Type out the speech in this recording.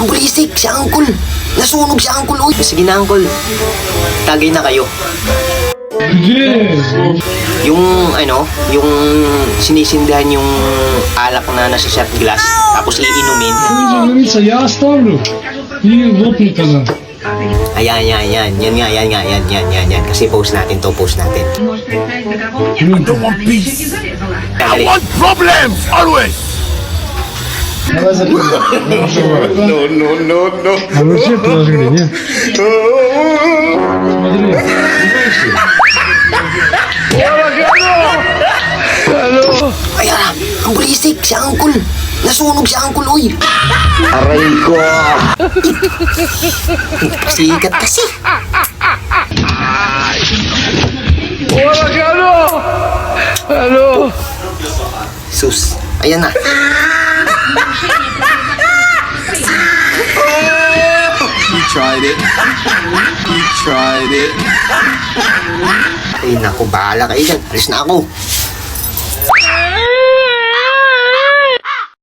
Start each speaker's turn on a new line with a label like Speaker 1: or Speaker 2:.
Speaker 1: ang bulisik, si Uncle. Nasunog si Uncle, uy. Sige na, Uncle. Tagay na kayo. Yung, yung sinisindihan yung alak na nasa shot glass, tapos iinumin.
Speaker 2: Я оставлю и лопнет она.
Speaker 1: Ayan. Yan. Kasi post natin to, post natin.
Speaker 3: I want problems always.
Speaker 2: Давай закрывай.
Speaker 3: No.
Speaker 2: А вы все положили, нет? Смотри.
Speaker 1: Ayan, ang bulisik, si Uncle. Nasunog si Uncle, uy.
Speaker 4: Aray ko!
Speaker 1: Sikat kasi. Sus, ayan na.
Speaker 4: You tried it.
Speaker 1: Ay, naku, bahala kayo dyan. Alis na ako.